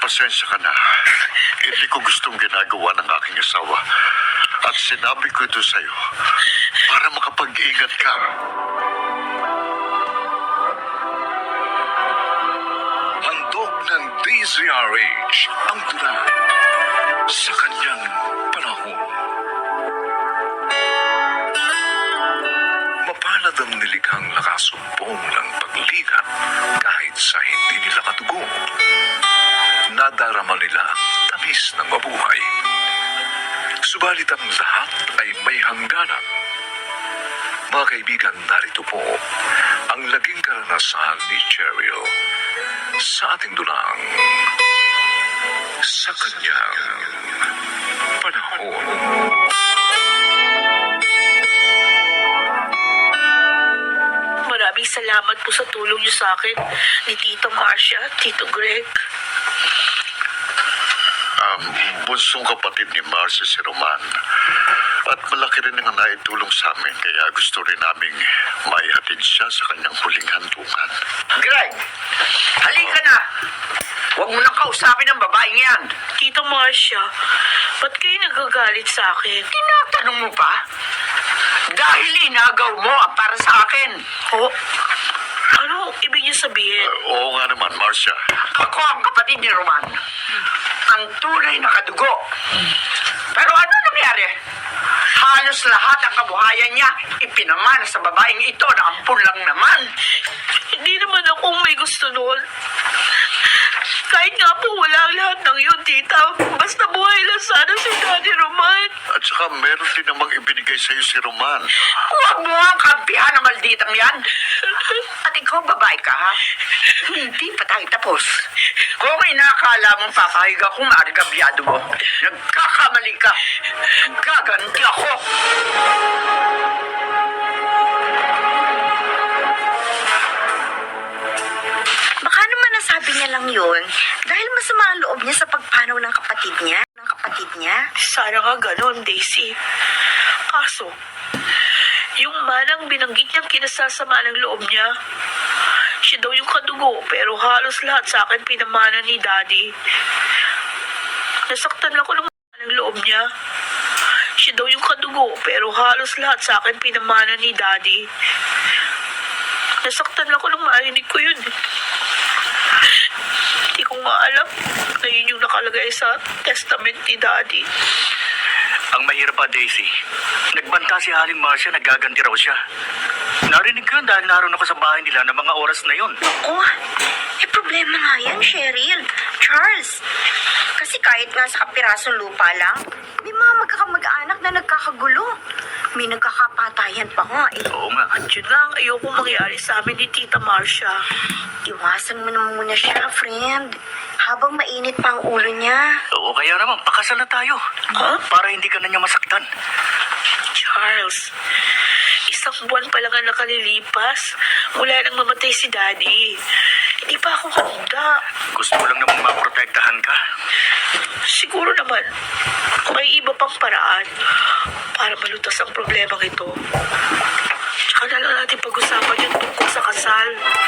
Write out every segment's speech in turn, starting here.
Pasensya ka na. Hindi ko gustong ginagawa ng aking asawa. At sinabi ko ito sa'yo para makapag-ingat ka. Handog ng DZRH ang tula sa kanyang panahon. Mapalad ang nilikhang nakasumpong ng pagligat kahit sa hindi nila katugo. Nadarama nila ang tamis ng mabuhay. Subalit ang lahat ay may hangganan. Mga kaibigan, narito po ang naging karanasan ni Cheryl sa ating dulang sa kanyang panahon. Maraming salamat po sa tulong niyo sa akin ni Tita Marcia, Tito Greg. Bunsong kapatid ni Marcia si Roman. At malaki rin ang naitulong sa amin, kaya gusto rin naming maihatid siya sa kanyang huling hantungan. Greg, halika na. Huwag mo nang kausapin ang babaeng yan. Tita Marcia, ba't kayo nagagalit sa akin? Tinatanong mo pa? Dahil inagaw mo ang para sa akin. Oh, ano ibig niyo sabihin? Oo nga naman, Marcia. Ako ang kapatid ni Roman. Ang tunay na kadugo. Pero ano nangyari? Halos lahat ang kabuhayan niya ipinamana sa babaeng ito na ampun lang naman. Hindi naman ako may gusto noon. Kahit nga po wala ang lahat ng yun, tita. Basta buhay lang sana si Daddy Roman. At saka meron din namang ibinigay sa'yo si Roman. Huwag mo ang kampihan ng malditang yan. At ikaw babae ka, ha? Hindi pa tayo tapos. Kung inakala mong papahig akong maargabyado mo, nagkakamali ka. Gaganti ako. Baka naman nasabi niya lang yun dahil masama ang loob niya sa pagpanaw ng kapatid niya. Sana nga ganon, Daisy. Kaso, yung manang binanggit niyang kinasasama ng loob niya, siya daw yung kadugo, pero halos lahat sa akin pinamana ni Daddy. Nasaktan ako ng mana ng loob niya. Siya daw yung kadugo, pero halos lahat sa akin pinamana ni Daddy. Nasaktan ako nung marinig ko yun. Hindi ko nga alam na yun yung nakalagay sa testament ni Daddy. Ang mahirap pa, Daisy. Nagbanta si Haling Marcia, nagaganti raw siya. Narinig ko yun dahil naroon ako sa bahay nila ng mga oras na yun. Oh, problema nga yan, Cheryl. Charles. Kasi kahit nga sa kapirasong lupa lang, may mga magkakamag-anak na nagkakagulo. May nagkakapatayan pa nga eh. Oo nga. At yun nga ang ayoko mangyari sa amin ni Tita Marcia. Iwasan mo na muna siya, friend. Habang mainit pa ang ulo niya. Oo, kaya naman, pakasal na tayo. Huh? Para hindi ka na niya masaktan. Charles, isang buwan pa lang ang nakalilipas mula nang mamatay si Daddy. Hindi pa ako handa. Gusto mo lang namang maprotektahan ka. Siguro naman, may iba pang paraan para malutas ang problemang ito. Tsaka na lang natin pag-usapan yung tungkol sa kasal.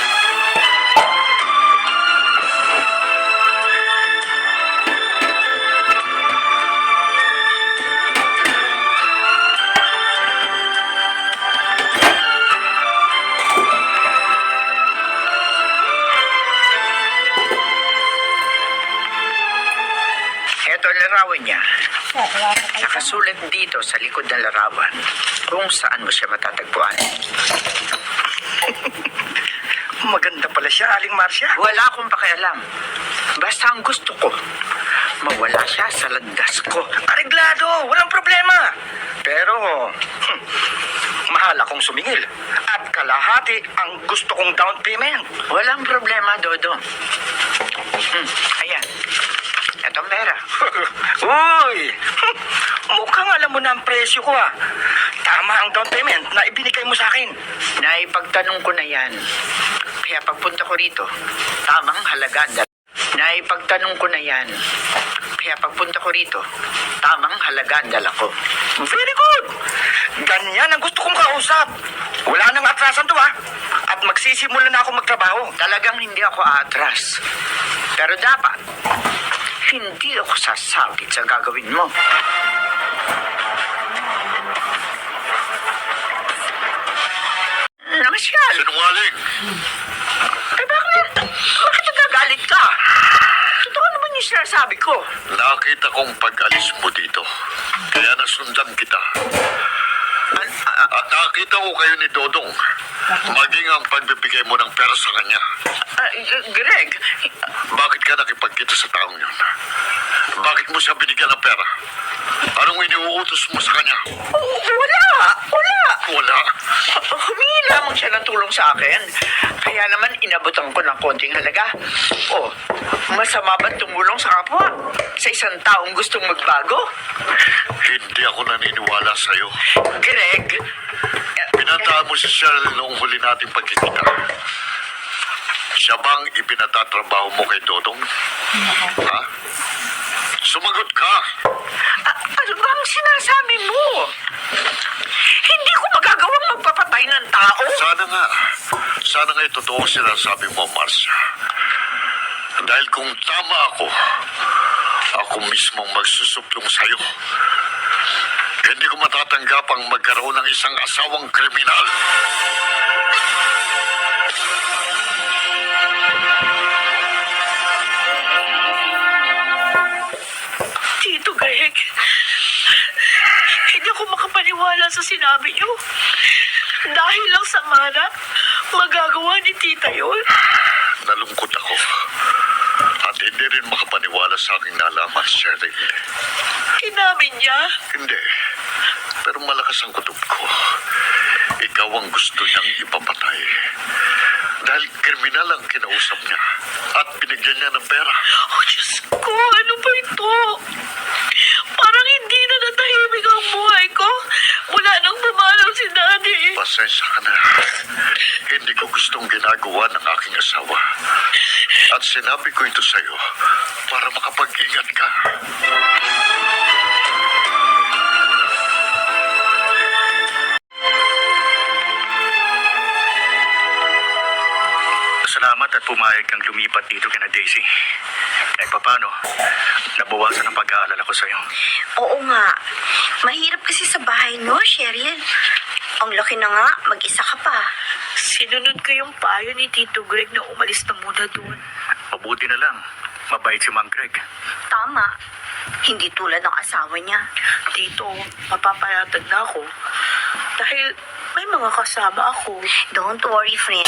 Ito ang larawan niya. Nakasulat dito sa likod ng larawan kung saan mo siya matatagpuan. Maganda pala siya, Aling Marcia. Wala akong pakialam. Basta ang gusto ko, mawala siya sa landas ko. Areglado, walang problema. Pero, mahal akong sumingil. At kalahati ang gusto kong down payment. Walang problema, Dodo. Ayan. Ito ang pera. Uy! Mukhang alam mo na ang presyo ko ah. Tama ang down payment na ibinigay mo sa akin. Naipagtanong ko na yan. Kaya pagpunta ko rito, tamang halaga. Naipagtanong ko na yan. Kaya pagpunta ko rito, tamang halaga ang dala ko. Very good! Ganyan ang gusto kong kausap. Wala nang atrasan to ha. At magsisimula na ako magtrabaho. Talagang hindi ako aatras. Pero dapat, hindi ako sasabit sa gagawin mo. Namasyal. Sinungaling! Eh bakit? Bakit nagagalit ka? Totoo naman yung sinasabi ko. Nakita kong pag-alis mo dito. Kaya nasundan kita. At nakita ko kayo ni Dodong. Maging ang pagbibigay mo ng pera sa kanya. Greg, Bakit ka nakipagkita sa taong yun? Bakit mo siya binigyan ng pera? Anong iniuutos mo sa kanya? wala. Wala. Humingi lamang siya ng tulong sa akin. Kaya naman inabutan ko ng konting halaga. Oh, masama ba tumulong sa kapwa? Sa isang taong gustong magbago? Hindi ako naniniwala sa'yo. Greg, Pinantaan mo si Cheryl noong huli nating pagkikita. Siya bang ipinatatrabaho mo kay Dodong? Ha? Sumagot ka! ano bang sinasabi mo? Hindi ko magagawang magpapatay ng tao. Sana nga totoo ang sinasabi mo, Marcia. Dahil kung tama ako mismong magsusuplong sa'yo. Hindi ko matatanggap ang magkaroon ng isang asawang kriminal. Tito Greg, hindi ako makapaniwala sa sinabi niyo. Dahil lang sa mana, magagawa ni tita yun. Nalungkot ako. At hindi rin makapaniwala sa aking nalaman, Cheryl. Inamin niya. Hindi. Pero malakas ang kutob ko. Ikaw ang gusto niyang ipapatay. Dahil kriminal ang kinausap niya. At binigyan niya ng pera. Oh, Diyos ko, ano ba ito? Parang hindi na natahimik ang buhay ko mula nang pumanaw si Daddy. Pasensya ka na. Hindi ko gustong ginagawa ng aking asawa. At sinabi ko ito sa'yo para makapag-ingat ka. Salamat at pumayag kang lumipat dito kina Daisy. Kahit papano, nabawasan ang pag-aalala ko sa'yo. Oo nga. Mahirap kasi sa bahay, no, Cheryl? Ang laki na nga, mag-isa ka pa. Sinunod ko yung payo ni Tito Greg na umalis na muna doon. Mabuti na lang. Mabait si Mang Greg. Tama. Hindi tulad ng asawa niya. Tito, mapapayatag na ako. Dahil may mga kasama ako. Don't worry, friend.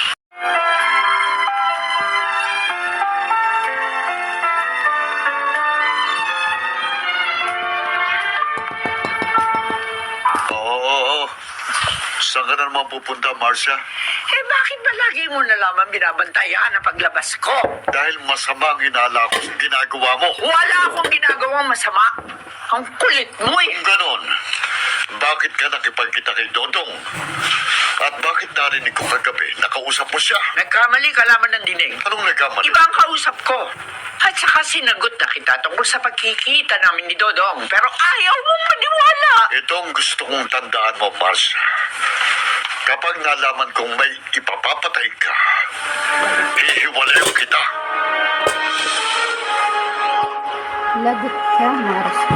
Oo. Saan ka na naman pupunta, Marcia? Eh bakit ba lagi mo na lamang binabantayan ang paglabas ko? Dahil masama ang hinala ko sa ginagawa mo. Wala akong ginagawang masama. Ang kulit mo eh. Kung ganon, bakit ka nakipagkita kay Dodong? At bakit narinig ko kagabi, nakausap mo siya? Nagkamali ka lamang ng dinig. Anong nagkamali? Iba ang kausap ko. At saka sinagot na kita tungkol sa pagkikita namin ni Dodong. Pero ayaw mong maniwala. Ito ang gusto kong tandaan mo, Marcia. Kapag nalaman kong may ipapapatay ka, hihiwalayo kita. Lagot ka, Marcia.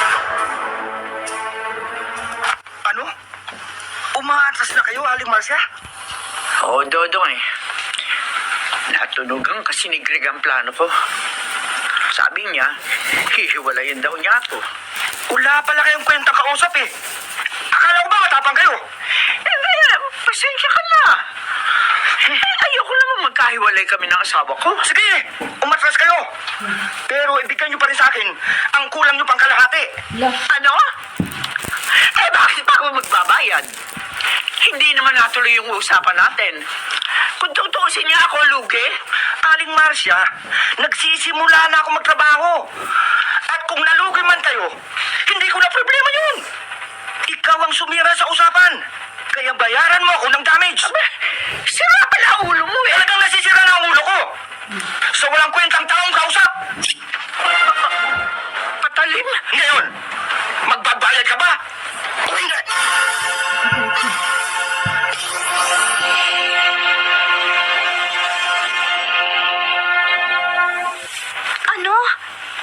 Ano? Umaatras na kayo, Aling Marcia? Oo, Dodong eh. Natunugan kasi ni Greg ang plano ko. Sabi niya, hihiwalayin daw niya ako. Wala pala kayong kwentang kausap eh. Akala ko ba matapang kayo? Pasensya ka na. Ayoko naman magkahiwalay kami ng asawa ko. Sige, umatras kayo. Pero ibigay niyo pa rin sa akin ang kulang niyo pang kalahati. Ano? Eh bakit pa ako magbabayad? Hindi naman natuloy yung usapan natin. Kung tutuusin niya ako, lugi. Aling Marcia, nagsisimula na ako magtrabaho. At kung nalugi man kayo, hindi ko na problema yun. Ikaw ang sumira sa usapan. Kaya bayaran mo ako ng damage. Sira pala ang ulo mo eh. Talagang nasisira na ang ulo ko. So walang kwentang taong kausap. Patalim. Ngayon, magbabayad ka ba? O hindi? Ano?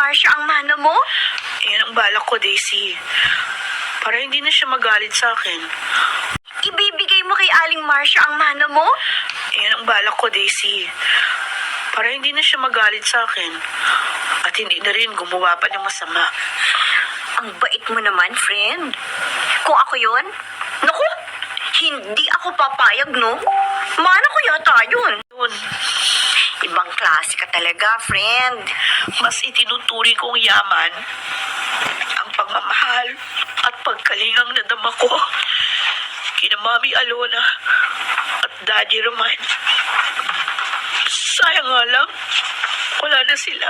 Marcia ang mana mo? Yan ang balak ko, Daisy. Para hindi na siya magalit sa akin. Ibibigay mo kay Aling Marcia ang mana mo? Yan ang balak ko, Daisy. Para hindi na siya magalit sa akin. At hindi na rin gumawa pa ng masama. Ang bait mo naman, friend. Kung ako yon, naku, hindi ako papayag, no? Mana ko yata yun. Yun, Ibang klase ka talaga, friend. mas itinuturing kong yaman ang pagmamahal at pagkalingang nadama ko kina Mami Alona at Daddy Roman. Sayang nga lang, wala na sila.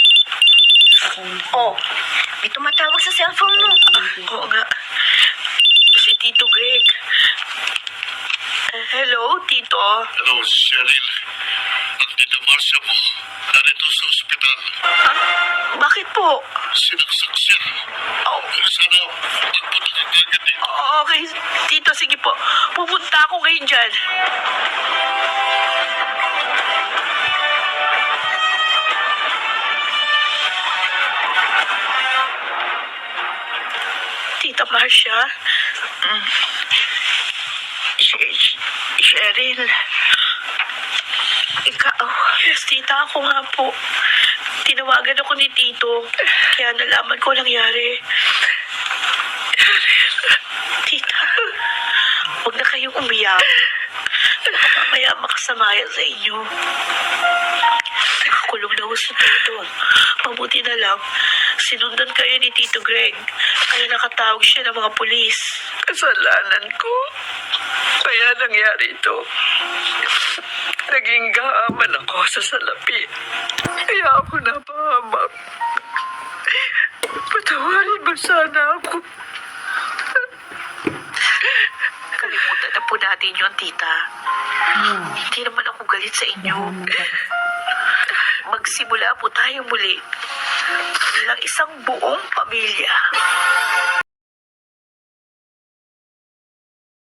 Oh, may tumatawag sa cellphone mo. Oo nga, si Tito Greg. Hello, Tito. Hello, Cheryl. Ang Tita Marcia mo, narito sa ospital. Ha? Bakit po? Sinaksak siya. Oh, Sana magpunta ka agad dito. okay, Tito, sige po. Pupunta ako ngayon dyan. Tita Marcia? Cheryl? Ikaw? Yes, tita, ako nga po. Tinawagan ako ni Tito, kaya nalaman ko nangyari. Tita, huwag na kayong umiyak. Mamaya makasamayan sa inyo. Nakakulong na ho si Tito. Mabuti na lang, sinundan kayo ni Tito Greg. Kaya nakatawag siya ng mga pulis. Kasalanan ko. Kaya nangyari ito. Naging gahaman ako sa salapi. Kaya ako napahamak. Patawarin mo sana ako. Kalimutan na po natin yun, tita. Hindi naman ako galit sa inyo. Magsimula po tayo muli bilang isang buong pamilya.